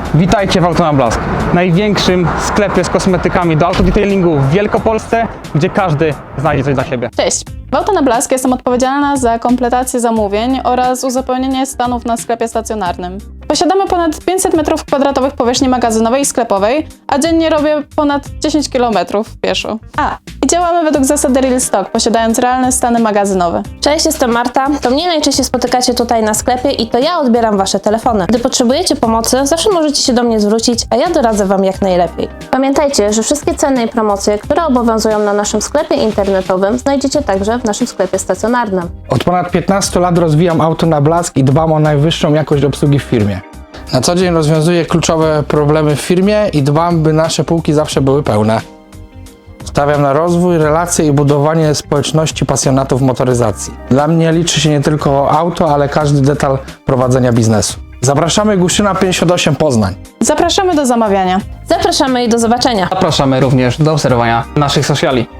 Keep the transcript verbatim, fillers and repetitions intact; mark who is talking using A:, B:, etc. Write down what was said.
A: Witajcie w Auto na Blask, największym sklepie z kosmetykami do autodetailingu w Wielkopolsce, gdzie każdy znajdzie coś dla siebie.
B: Cześć! W Auto na Blask jestem odpowiedzialna za kompletację zamówień oraz uzupełnienie stanów na sklepie stacjonarnym. Posiadamy ponad pięćset metrów kwadratowych powierzchni magazynowej i sklepowej, a dziennie robię ponad dziesięć kilometrów pieszo. A, i działamy według zasady Real Stock, posiadając realne stany magazynowe.
C: Cześć, jestem Marta. To mnie najczęściej spotykacie tutaj na sklepie i to ja odbieram Wasze telefony. Gdy potrzebujecie pomocy, zawsze możecie się do mnie zwrócić, a ja doradzę Wam jak najlepiej. Pamiętajcie, że wszystkie ceny i promocje, które obowiązują na naszym sklepie internetowym, znajdziecie także w naszym sklepie stacjonarnym.
D: Od ponad piętnastu lat rozwijam Auto na Blask i dbam o najwyższą jakość obsługi w firmie. Na co dzień rozwiązuję kluczowe problemy w firmie i dbam, by nasze półki zawsze były pełne. Stawiam na rozwój, relacje i budowanie społeczności pasjonatów motoryzacji. Dla mnie liczy się nie tylko auto, ale każdy detal prowadzenia biznesu. Zapraszamy Guszyna pięćdziesiąt osiem Poznań.
B: Zapraszamy do zamawiania.
C: Zapraszamy i do zobaczenia!
A: Zapraszamy również do obserwowania naszych sociali.